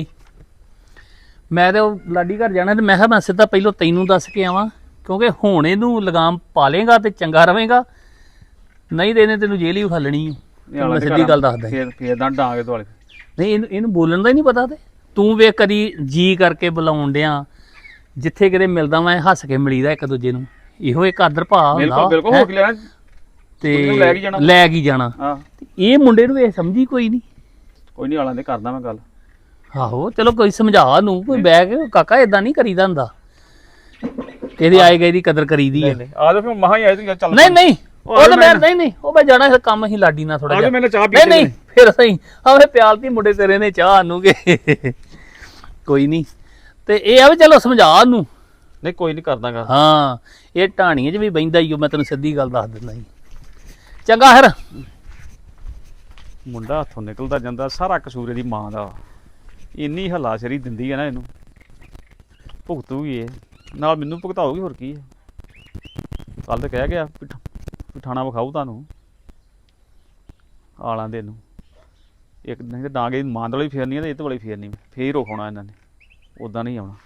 S4: ਮੈਂ ਤੇ ਉਹ ਲਾਡੀ ਘਰ ਜਾਣਾ ਤੇ ਮੈਂ ਕਿਹਾ ਮੈਂ ਸਿੱਧਾ ਪਹਿਲਾਂ ਤੈਨੂੰ ਦੱਸ ਕੇ ਆਵਾਂ, ਕਿਉਂਕਿ ਹੁਣ ਇਹਨੂੰ ਲਗਾਮ ਪਾ ਲੇਗਾ ਤੇ ਚੰਗਾ ਰਵੇਗਾ, ਨਹੀਂ ਤੇ ਇਹਨੇ ਤੈਨੂੰ ਜੇਲ੍ਹ ਹੀ ਖਾਲਣੀ। ਮੈਂ ਸਿੱਧੀ ਗੱਲ ਦੱਸਦਾ।
S1: ਫੇਰ ਤਾਂ ਡਾਂਗੇ ਦੁਆਲੇ।
S4: ਨਹੀਂ, ਇਹਨੂੰ ਬੋਲਣ ਦਾ ਹੀ ਨਹੀਂ ਪਤਾ। ਤੇ ਤੂੰ ਵੇਖ ਕਦੀ ਜੀ ਕਰਕੇ ਬੁਲਾਉਣ ਡਿਆ, ਜਿੱਥੇ ਕਿਤੇ ਮਿਲਦਾ ਮੈਂ ਹੱਸ ਕੇ ਮਿਲੀਦਾ ਇੱਕ ਦੂਜੇ ਨੂੰ। ਇਹੋ ਇੱਕ ਆਦਰ ਭਾਅ ਹੁੰਦਾ।
S1: ਬਿਲਕੁਲ ਹੋ ਕੇ ਲੈਣਾ
S4: ਤੇ ਲੈ ਕੇ ਜਾਣਾ।
S1: ਹਾਂ,
S4: ਇਹ ਮੁੰਡੇ ਨੂੰ ਇਹ ਸਮਝੀ ਕੋਈ ਨਹੀਂ।
S1: ਕੋਈ ਨਹੀਂ, ਆਲਾਂ ਦੇ ਕਰਦਾ ਮੈਂ ਗੱਲ।
S4: ਆਹੋ, ਚਲੋ ਕੋਈ ਸਮਝਾ ਨੂੰ, ਕੋਈ ਬਹਿ ਕੇ ਕਾਕਾ ਏਦਾਂ ਨਹੀਂ ਕਰੀਦਾ ਹੁੰਦਾ, ਇਹਦੇ ਆਏ ਗਏ ਦੀ ਕਦਰ ਕਰੀਦੀ ਆ।
S1: ਆ ਜਾ ਫਿਰ ਮਹਾ ਹੀ ਆਏ ਤੂੰ ਚੱਲ।
S4: ਨਹੀਂ ਉਹ ਤਾਂ ਮੈਂ ਨਹੀਂ ਉਹ ਮੈਂ ਜਾਣਾ ਹੈ ਕੰਮ ਹੀ ਲਾਡੀ ਨਾਲ ਥੋੜਾ
S1: ਜਿਹਾ। ਚਾਹ
S4: ਪੀ ਨਹੀਂ ਫਿਰ ਸਹੀ ਆਵੇ ਪਿਆਲਤੀ ਮੁੰਡੇ ਤੇਰੇ ਨੇ ਚਾਹ ਆਨੂਗੇ। ਕੋਈ ਨਹੀਂ, ਤੇ ਇਹ ਆ ਵੀ ਚਲੋ ਸਮਝਾ ਨੂੰ।
S1: ਨਹੀਂ, ਕੋਈ ਨਹੀਂ ਕਰਦਾਗਾ।
S4: ਹਾਂ, ਇਹ ਢਾਣੀਆਂ 'ਚ ਵੀ ਬਹਿੰਦਾ ਹੀ, ਮੈਂ ਤੈਨੂੰ ਸਿੱਧੀ ਗੱਲ ਦੱਸ ਦਿੰਦਾ ਜੀ। ਚੰਗਾ ਫਿਰ।
S1: ਮੁੰਡਾ ਹੱਥੋਂ ਨਿਕਲਦਾ ਜਾਂਦਾ, ਸਾਰਾ ਕਸੂਰ ਇਹਦੀ ਮਾਂ ਦਾ। ਇੰਨੀ ਹਲਾਸ਼ਰੀ ਦਿੰਦੀ ਹੈ ਨਾ ਇਹਨੂੰ, ਭੁਗਤੂਗੀ ਇਹ, ਨਾਲ ਮੈਨੂੰ ਭੁਗਤਾਉਗੀ, ਹੋਰ ਕੀ ਹੈ। ਕੱਲ ਤਾਂ ਕਹਿ ਗਿਆ ਠਾਣਾ ਵਿਖਾਊ ਤੁਹਾਨੂੰ ਆਲਾਂ ਦੇ ਨੂੰ। ਇੱਕ ਨਹੀਂ ਤਾਂ ਡਾਂਗੇ ਮਾਂ ਵਾਲੀ ਫੇਰਨੀ ਹੈ ਤੇ ਇਹ ਤੋਂ ਵਾਲੀ ਫੇਰਨੀ, ਫੇਰ ਰੋਕਣਾ ਇਹਨਾਂ ਨੇ, ਉੱਦਾਂ ਨਹੀਂ ਆਉਣਾ।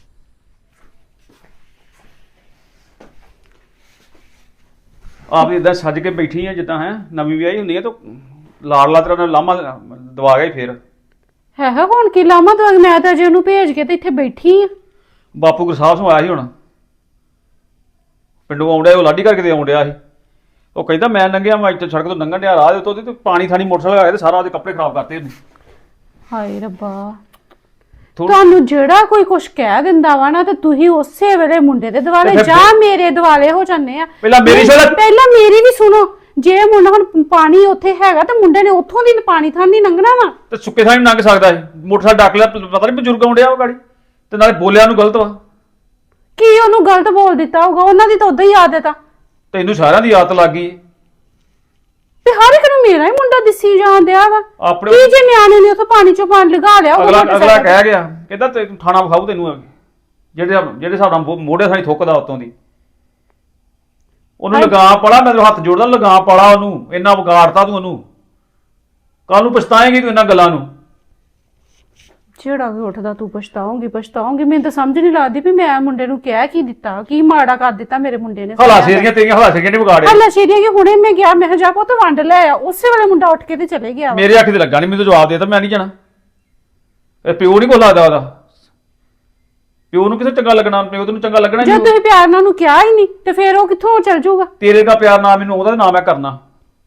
S1: ਆਪ ਇਦਾਂ ਸੱਜ ਕੇ ਬੈਠੀ ਆ ਜਿੱਦਾਂ ਹੈ ਨਵੀਂ ਵਿਆਹੀ ਹੁੰਦੀ ਹੈ, ਤਾਂ ਲਾੜਲਾ ਤੇਰਾ ਲਾਮਾ ਦਵਾ ਗਿਆ ਫੇਰ।
S2: ਹੈ ਹੁਣ ਕੀ ਲਾਮਾ ਦਵਾ? ਮੈਂ ਤਾਂ ਅਜੇ ਉਹਨੂੰ ਭੇਜ ਕੇ ਤੇ ਇੱਥੇ ਬੈਠੀ ਆ।
S1: ਬਾਪੂ ਗੁਰਸਾਹਿਬ ਸਿੰਘ ਆਇਆ ਸੀ ਹੁਣ ਪਿੰਡੋਂ ਆਉਂਦਿਆ, ਉਹ ਲਾਡੀ ਕਰਕੇ ਤੇ ਆਉਂਦਿਆ ਸੀ। ਉਹ ਕਹਿੰਦਾ ਮੈਂ ਲੰਘਿਆ, ਮੈਂ ਇੱਥੇ ਸੜਕ ਤੋਂ ਲੰਘਣ ਡਿਆ, ਰਾਹ ਦੇ ਉੱਤੋਂ ਤੇ ਪਾਣੀ ਥਾਣੀ ਮੋਟਰਸਾਈਕਲ ਆਇਆ ਤੇ ਸਾਰਾ ਉਹਦੇ ਕੱਪੜੇ ਖਰਾਬ ਕਰਤੇ ਉਹਨੇ।
S2: ਹਾਏ ਰੱਬਾ, ਤੁਹਾਨੂੰ ਜਿਹੜਾ ਕੋਈ ਕੁਛ ਕਹਿ ਦਿੰਦਾ ਵਾ ਨਾ, ਤੇ ਤੁਸੀਂ ਉਸੇ ਵੇਲੇ ਮੁੰਡੇ ਦੇ ਦਿਵਾਲੇ ਜਾਂ ਮੇਰੇ ਦਿਵਾਲੇ ਹੋ ਜਾਂਦੇ ਆ।
S1: ਪਹਿਲਾਂ
S2: ਮੇਰੀ ਵੀ ਸੁਣੋ। ਜੇ ਮੁੰਡਾ ਹੁਣ ਪਾਣੀ ਉੱਥੇ ਹੈਗਾ ਤੇ ਮੁੰਡੇ ਨੇ ਉੱਥੋਂ ਦੀ ਪਾਣੀ ਥਾਂ ਦੀ ਲੰਘਣਾ ਵਾ,
S1: ਤੇ ਸੁੱਕੇ ਥਾਂ ਲੰਘ ਸਕਦਾ ਹੈ। ਮੋਟਰਸਾਈਕਲ ਡੱਕ ਲਿਆ, ਪਤਾ ਨਹੀਂ ਬਜ਼ੁਰਗ ਆਉਂਦਿਆ ਉਹ ਗਾੜੀ, ਤੇ ਨਾਲੇ ਬੋਲਿਆ ਉਹਨੂੰ ਗਲਤ ਵਾ।
S2: ਕੀ ਉਹਨੂੰ ਗਲਤ ਬੋਲ ਦਿੱਤਾ ਹੋਊਗਾ? ਉਹਨਾਂ ਦੀ ਤਾਂ ਉਦਾਂ ਹੀ ਆਦਤ ਆ।
S1: ਤੈਨੂੰ ਸਾਰਿਆਂ ਦੀ ਆਦਤ ਲੱਗ ਗਈ
S2: ਤੇ ਹਰ ਇੱਕ ਨੂੰ ਮੇਰਾ ਹੀ ਮੁੰਡਾ ਦਿਸੀ ਜਾਂਦਿਆ ਵਾ।
S1: ਆਪਣੇ।
S2: ਕੀ ਜੇ ਨਿਆਣੇ ਨੇ ਉੱਥੋਂ ਪਾਣੀ ਚੋਂ ਪਾਣੀ ਲਗਾ ਲਿਆ?
S1: ਅਗਲਾ ਕਹਿ ਗਿਆ, ਕਹਿੰਦਾ ਤੈਨੂੰ ਥਾਣਾ ਵਿਖਾਊ ਤੈਨੂੰ, ਜਿਹੜੇ ਹਿਸਾਬ ਨਾਲ ਮੋਢੇ ਥਾਣੀ ਥੁੱਕਦਾ ਉੱਤੋਂ ਦੀ। ਉਹਨੂੰ ਲਗਾਮ ਪਾਲਾ, ਮੈਂ ਹੱਥ ਜੋੜਦਾ, ਲਗਾਮ ਪਾਲਾ ਉਹਨੂੰ, ਇੰਨਾ ਵਿਗਾੜਤਾ ਤੂੰ ਉਹਨੂੰ। ਕੱਲ ਨੂੰ ਪਛਤਾਏਂਗੀ ਤੂੰ ਇਹਨਾਂ ਗੱਲਾਂ ਨੂੰ।
S2: ਜਿਹੜਾ ਵੀ ਉੱਠਦਾ ਤੂੰ ਪਛਤਾਉਂਗੀ। ਮੈਨੂੰ ਤਾਂ ਸਮਝ ਨਹੀਂ ਲੱਗਦੀ ਵੀ ਮੈਂ ਮੁੰਡੇ ਨੂੰ ਕਹਿ ਕੀ ਦਿੱਤਾ, ਕੀ ਮਾੜਾ ਕਰ ਦਿੱਤਾ ਮੇਰੇ ਮੁੰਡੇ ਨੇ।
S1: ਹਲਾਸ਼ੇਰੀਆਂ ਤੇਰੀਆਂ ਹਲਾਸ਼ੇਰੀਆਂ ਨੇ ਵਿਗਾੜਿਆ।
S2: ਹਲਾਸ਼ੇਰੀਆਂ ਕਿ ਹੁਣੇ ਮੈਂ ਗਿਆ, ਮੈਂ ਜਾ ਪੁੱਤ ਵੰਡ ਲੈ ਆ, ਉਸੇ ਵੇਲੇ ਮੁੰਡਾ ਉੱਠ ਕੇ ਤੇ ਚਲੇ ਗਿਆ।
S1: ਮੇਰੇ ਅੱਖ ਤੇ ਲੱਗਾ ਨਹੀਂ, ਮੈਨੂੰ ਜਵਾਬ ਦੇਤਾ, ਮੈਂ ਨਹੀਂ ਜਾਣਾ। ਇਹ ਪਿਓ ਨਹੀਂ ਕੋ ਲੱਗਦਾ ਉਹਦਾ, ਪਿਓ ਨੂੰ ਕਿਸੇ ਚੰਗਾ ਲੱਗਣਾ, ਪਿਓ ਤੈਨੂੰ ਚੰਗਾ ਲੱਗਣਾ
S2: ਜੇ
S1: ਨਹੀਂ।
S2: ਤੁਸੀਂ ਪਿਆਰ ਨਾਲ ਉਹਨੂੰ ਕਿਹਾ ਹੀ ਨਹੀਂ ਤੇ ਫਿਰ ਉਹ ਕਿੱਥੋਂ ਚੱਲ ਜਾਊਗਾ?
S1: ਤੇਰੇ ਦਾ ਪਿਆਰ ਨਾ ਮੈਨੂੰ, ਉਹਦਾ ਨਾਮ ਮੈਂ ਕਰਨਾ।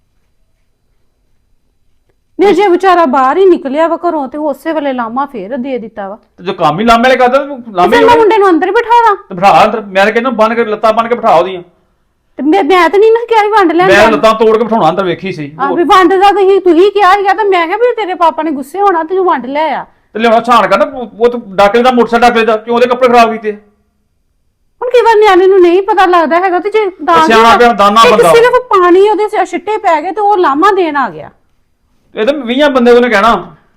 S2: ਨਹੀਂ ਜੇ ਵਿਚਾਰਾ ਬਾਹਰ ਹੀ ਨਿਕਲਿਆ ਵਾ ਘਰੋਂ ਤੇ ਉਸੇ ਵੇਲੇ ਲਾਮਾ ਫੇਰ ਦੇ ਦਿੱਤਾ ਵਾ।
S1: ਤੇ ਜੋ ਕੰਮ ਹੀ ਲਾਮੇ ਵਾਲੇ ਕਰਦਾ ਲਾਮੇ
S2: ਫਿਰ ਮੈਂ ਮੁੰਡੇ ਨੂੰ ਅੰਦਰ ਹੀ ਬਿਠਾ ਦਾਂ
S1: ਤੇ ਬਿਠਾ ਅੰਦਰ। ਮੈਂ ਤਾਂ ਕਹਿੰਦਾ ਬੰਨ ਕੇ ਲੱਤਾਂ ਬੰਨ ਕੇ ਬਿਠਾ ਉਹਦੀਆਂ।
S2: ਤੇ ਮੈਂ ਤਾਂ ਨਹੀਂ ਨਾ ਕਿਹਾ ਸੀ ਵੰਡ ਲੈਣ
S1: ਮੈਂ
S2: ਦਾ।
S1: ਲੱਤਾਂ ਤੋੜ ਕੇ ਬਿਠਾਉਣਾ ਅੰਦਰ, ਵੇਖੀ ਸੀ।
S2: ਆ ਵੀ ਵੰਡ ਦਾ ਤੁਸੀਂ ਕਿਹਾ ਸੀਗਾ ਤਾਂ ਮੈਂ ਕਿਹਾ ਵੀ ਤੇਰੇ ਪਾਪਾ ਨੇ ਗੁੱਸੇ ਹੋਣਾ ਤੇ ਤੂੰ ਵੰਡ ਲੈ ਆ।
S1: ਤੇ ਲਿਆਉਣਾ ਛਾਣ ਕਰਨਾ, ਉਹ ਤਾਂ ਡਾਕਲੇ ਦਾ ਮੋਟਰਸਾਈਕਲ ਡਾਕਲੇ ਦਾ, ਕਿਉਂ ਉਹਦੇ ਕੱਪੜੇ ਖਰਾਬ ਕੀਤੇ?
S2: ਹੁਣ ਕਈ ਵਾਰ ਨਿਆਣੇ ਨੂੰ ਨਹੀਂ ਪਤਾ ਲੱਗਦਾ ਹੈਗਾ ਤੇ ਜੇ
S1: ਸਿਆਣਾ ਪਿਆ ਦਾਨਾ ਬੰਦਾ।
S2: ਸਿਰਫ ਪਾਣੀ ਉਹਦੇ ਛਿੱਟੇ ਪੈ ਗਏ ਤੇ ਉਹ ਲਾਮਾ ਦੇਣ ਆ ਗਿਆ।
S1: ਇਹ ਤਾਂ 20 ਬੰਦੇ ਉਹਨੇ ਕਹਿਣਾ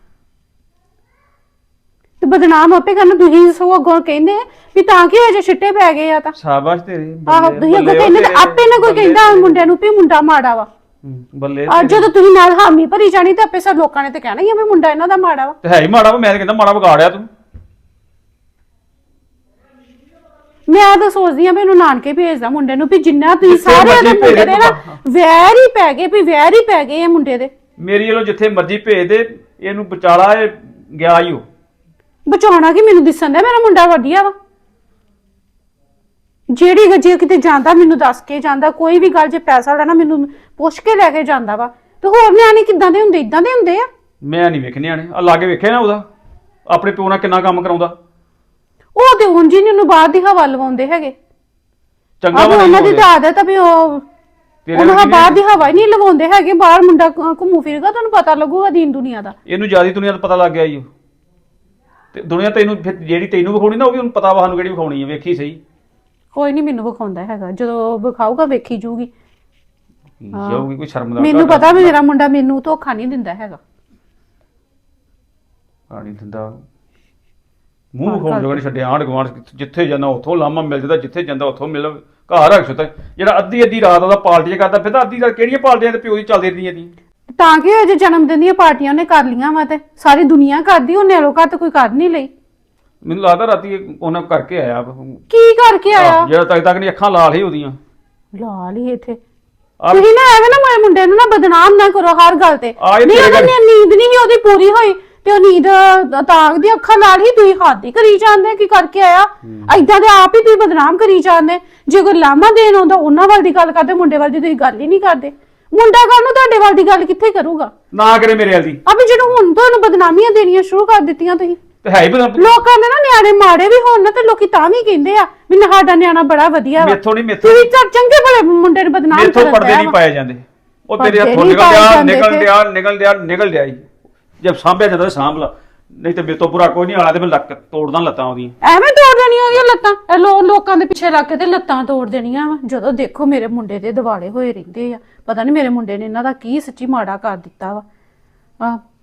S2: ਤੇ ਬਦਨਾਮ ਆਪੇ ਕਰਨਾ। ਤੁਸੀਂ ਸੋ ਅੱਗੋਂ ਕਹਿੰਦੇ ਵੀ ਤਾਂ ਕੀ ਹੋਇਆ ਜੇ ਛਿੱਟੇ ਪੈ ਗਏ ਆ ਤਾਂ।
S1: ਸ਼ਾਬਾਸ਼ ਤੇਰੇ।
S2: ਆਹੋ ਤੁਸੀਂ ਅੱਗੋਂ ਕਹਿੰਦੇ ਤੇ ਆਪੇ ਨਾ ਕੋਈ ਕਹਿੰਦਾ ਮੁੰਡਿਆਂ ਨੂੰ ਵੀ ਮੁੰਡਾ ਮਾੜਾ ਵਾ।
S1: ਬੱਲੇ
S2: ਅੱਜ ਜਦੋਂ ਤੁਸੀਂ ਨਾਲ ਹਾਮੀ ਭਰੀ ਜਾਣੀ ਤੇ ਆਪੇ ਸਭ ਲੋਕਾਂ ਨੇ ਤੇ ਕਹਿਣਾ ਹੀ ਆ ਵੀ ਮੁੰਡਾ ਇਹਨਾਂ ਦਾ ਮਾੜਾ ਵਾ।
S1: ਤੇ ਹੈ ਹੀ ਮਾੜਾ ਵਾ। ਮੈਂ ਤਾਂ ਕਹਿੰਦਾ ਮਾੜਾ ਵਿਗਾੜਿਆ ਤੂੰ।
S2: ਮੈਂ ਤਾਂ ਸੋਚਦੀ ਆ ਵੀ ਇਹਨੂੰ ਨਾਨਕੇ ਭੇਜਦਾ ਮੁੰਡੇ ਨੂੰ ਵੀ ਜਿੰਨਾ ਤੁਸੀਂ
S1: ਜਿੱਥੇ
S2: ਸਾਰੇ
S1: ਮਰਜ਼ੀ
S2: ਉਹਦੇ ਮੁੰਡੇ ਦੇ ਨਾ
S1: ਭੇਜ
S2: ਵੈਰ ਹੀ ਪੈ ਗਏ ਵੀ ਵੈਰ ਹੀ ਪੈ ਗਏ ਆ ਮੁੰਡੇ ਦੇ।
S1: ਮੇਰੀ ਵੱਲੋਂ ਜਿੱਥੇ ਮਰਜ਼ੀ ਭੇਜ ਦੇ, ਇਹਨੂੰ ਵਿਚਾਲਾ ਇਹ ਗਿਆ ਹੀ ਉਹ।
S2: ਬਚਾਉਣਾ ਕਿ ਮੈਨੂੰ ਦਿਸਣ ਦਾ ਮੇਰਾ ਮੁੰਡਾ ਵਧੀਆ ਵਾ। ਜਿਹੜੀ ਜੇ ਕਿਤੇ ਜਾਂਦਾ ਮੈਨੂੰ ਦੱਸ ਕੇ ਜਾਂਦਾ, ਕੋਈ ਵੀ ਗੱਲ ਜੇ ਪੈਸਾ ਲੈਣਾ ਮੈਨੂੰ ਪੁੱਛ ਕੇ ਲੈ ਕੇ ਜਾਂਦਾ ਵਾ। ਤੇ ਹੋਰ ਨਿਆਣੇ ਕਿੱਦਾਂ ਦੇ ਹੁੰਦੇ? ਇਦਾਂ ਦੇ ਹੁੰਦੇ ਆ।
S1: ਮੈਂ ਨਹੀਂ ਵੇਖਣੇ ਆਣੇ ਆ, ਲਾਗੇ ਵੇਖਿਆ ਨਾ ਉਹਦਾ ਆਪਣੇ ਪਿਓ ਨਾਲ ਕਿੰਨਾ ਕੰਮ ਕਰਾਉਂਦਾ।
S2: ਉਹ ਤੇ ਉਂਝ ਹੀ ਨੀ ਉਹਨੂੰ ਬਾਹਰ ਦੀ ਹਵਾ ਲਵਾਉਂਦੇ ਹੈਗੇ।
S1: ਚੰਗਾ
S2: ਆਹ ਉਹਨਾਂ ਦੀ ਤਾਂ ਆਦਤ ਆ ਵੀ ਉਹ ਉਹਨਾਂ ਬਾਹਰ ਦੀ ਹਵਾ ਹੀ ਨਹੀਂ ਲਵਾਉਂਦੇ ਹੈਗੇ। ਬਾਹਰ ਮੁੰਡਾ ਘੁੰਮੂ ਫਿਰੇਗਾ ਤੁਹਾਨੂੰ ਪਤਾ ਲੱਗੂਗਾ ਦੀਨ ਦੁਨੀਆ ਦਾ।
S1: ਇਹਨੂੰ ਜਿਆਦੀ ਦੁਨੀਆ ਦਾ ਪਤਾ ਲੱਗ ਗਿਆ ਈ ਉਹ। ਤੇ ਦੁਨੀਆ ਤੈਨੂੰ ਫਿਰ ਜਿਹੜੀ ਤੈਨੂੰ ਵਿਖਾਉਣੀ ਨਾ, ਉਹ ਵੀ ਉਹਨੂੰ ਪਤਾ ਵਾ ਸਾਨੂੰ ਕਿਹੜੀ ਵਿਖਾਉਣੀ ਹੈ। ਵੇਖੀ ਸਹੀ।
S2: ਕੋਈ ਨਹੀਂ ਮੈਨੂੰ ਵਿਖਾਉਂਦਾ ਹੈਗਾ, ਜਦੋਂ ਵਿਖਾਊਗਾ ਵੇਖੀ ਜੂਗੀ।
S1: ਜਾਊਗੀ ਕੋਈ ਸ਼ਰਮ ਦਾ
S2: ਮੈਨੂੰ ਪਤਾ ਵੀ ਮੇਰਾ ਮੁੰਡਾ ਮੈਨੂੰ ਧੋਖਾ ਨਹੀਂ ਦਿੰਦਾ ਹੈਗਾ।
S1: ਪਾਣੀ ਦਿੰਦਾ ਮੂੰਹ ਵਿਖਾਉਣ ਜੋਗਾ ਨਹੀਂ ਛੱਡਿਆ। ਆਂਢ ਗੁਆਂਢ ਜਿੱਥੇ ਜਾਂਦਾ ਉੱਥੋਂ ਲਾਮਾ ਮਿਲ ਜਾਂਦਾ, ਜਿੱਥੇ ਜਾਂਦਾ ਉੱਥੋਂ ਮਿਲ। ਘਰ ਰੱਖ ਸੁੱਤਾ ਜਿਹੜਾ ਅੱਧੀ ਰਾਤ ਉਹਦਾ ਪਾਰਟੀਆਂ ਕਰਦਾ ਫਿਰਦਾ। ਅੱਧੀ ਰਾਤ ਕਿਹੜੀਆਂ ਪਾਰਟੀਆਂ ਤੇ ਪਿਓ ਦੀ ਚੱਲਦੀ ਰਹੀਆਂ ਦੀ।
S2: ਤਾਂ ਕਿ ਅਜੇ ਜਨਮ ਦਿਨ ਦੀਆਂ ਪਾਰਟੀਆਂ ਉਹਨੇ ਕਰ ਲੀਆਂ ਵਾ ਤੇ ਸਾਰੀ ਦੁਨੀਆ ਕਰਦੀ, ਉਹਨੇ ਅਲੋ ਘਰ ਤੇ ਕੋਈ ਕਰ ਨਹੀਂ ਲਈ।
S1: ਮੈਨੂੰ ਲੱਗਦਾ ਰਾਤੀ ਉਹਨਾਂ ਕਰਕੇ ਆਇਆ
S2: ਕੀ ਕਰਕੇ ਆਇਆ?
S1: ਜਿਹੜਾ ਤੱਕ ਨਹੀਂ ਅੱਖਾਂ ਲਾਲ ਹੀ ਉਹਦੀਆਂ।
S2: ਲਾਲ ਹੀ ਇੱਥੇ ਤੁਸੀਂ ਨਾ ਐਵੇਂ ਨਾ ਮੇਰੇ ਮੁੰਡੇ ਨੂੰ ਨਾ ਬਦਨਾਮ ਨਾ ਕਰੋ ਹਰ ਗੱਲ ਤੇ।
S1: ਆਏ
S2: ਨਹੀਂ
S1: ਤੇਰੇ
S2: ਉਹਦੀ ਨੀਂਦ ਨਹੀਂ ਸੀ ਉਹਦੀ ਪੂਰੀ ਹੋਈ ਤੇ ਉਹ ਨੀਂਦ ਤਾਂਗ ਦੀ ਅੱਖਾਂ ਨਾਲ ਹੀ ਤੁਸੀਂ ਹੱਦ ਹੀ ਕਰੀ ਜਾਂਦੇ। ਕੀ ਕਰਕੇ ਆਇਆ? ਏਦਾਂ ਦੇ ਆਪ ਹੀ ਤੁਸੀਂ ਬਦਨਾਮ ਕਰੀ ਜਾਂਦੇ। ਜੇ ਕੋਈ ਲਾਮਾ ਦੇਣ ਆਉਂਦਾ ਉਹਨਾਂ ਵੱਲ ਦੀ ਗੱਲ ਕਰਦੇ, ਮੁੰਡੇ ਵੱਲ ਦੀ ਤੁਸੀਂ ਗੱਲ ਹੀ ਨਹੀਂ ਕਰਦੇ। ਮੁੰਡਾ ਕੱਲ ਨੂੰ ਤੁਹਾਡੇ ਵੱਲ ਦੀ ਗੱਲ ਕਿੱਥੇ ਕਰੂਗਾ?
S1: ਨਾ ਕਰੇ ਮੇਰੇ ਵਾਲ ਦੀ।
S2: ਅਬੇ ਜਦੋਂ ਹੁਣ ਤੁਹਾਨੂੰ ਬਦਨਾਮੀਆਂ ਦੇਣੀਆਂ ਸ਼ੁਰੂ ਕਰ ਦਿੱਤੀਆਂ ਤੁਸੀਂ।
S1: ਤੇ ਹੈ ਹੀ
S2: ਲੋਕਾਂ ਦੇ ਨਾ ਨਿਆਣੇ ਮਾੜੇ ਵੀ ਹੋਣ ਨਾ ਤੇ ਲੋਕੀ ਤਾਂ ਵੀ ਕਹਿੰਦੇ ਆ ਵੀ ਸਾਡਾ ਨਿਆਣਾ ਬੜਾ ਵਧੀਆ ਵਾ।
S1: ਮੇਥੋਂ ਨਹੀਂ
S2: ਤੁਸੀਂ ਤਾਂ ਚੰਗੇ ਭਲੇ ਮੁੰਡੇ ਨੂੰ ਬਦਨਾਮ
S1: ਮੇਥੋਂ
S2: ਕਰਦੇ
S1: ਪਰਦੇ ਨਹੀਂ ਪਾਏ ਜਾਂਦੇ। ਉਹ ਤੇਰੇ ਹੱਥੋਂ ਨਿਕਲ ਡਿਆ ਹੀ। ਜਦ ਸਾਂਭਿਆ ਜਾਂਦਾ ਸਾਂਭ ਲਾ, ਨਹੀਂ ਤੇ ਮੇਰੇ ਤੋਂ ਬੁਰਾ ਕੋਈ ਨਹੀਂ ਆਲਾ ਤੇ ਮੈਂ ਲੱਕ ਤੋੜਦਾ ਲੱਤਾਂ ਉਹਦੀਆਂ।
S2: ਐਵੇਂ ਤੋੜ ਦੇਣੀਆਂ ਉਹਦੀਆਂ ਲੱਤਾਂ? ਇਹ ਲੋਕਾਂ ਦੇ ਪਿੱਛੇ ਲੱਗ ਕੇ ਤੇ ਲੱਤਾਂ ਤੋੜ ਦੇਣੀਆਂ ਵਾ। ਜਦੋਂ ਦੇਖੋ ਮੇਰੇ ਮੁੰਡੇ ਦੇ ਦਿਵਾਲੇ ਹੋਏ ਰਹਿੰਦੇ ਆ। ਪਤਾ ਨਹੀਂ ਮੇਰੇ ਮੁੰਡੇ ਨੇ ਇਹਨਾਂ ਦਾ ਕੀ ਸੱਚੀ ਮਾੜਾ ਕਰ ਦਿੱਤਾ ਵਾ।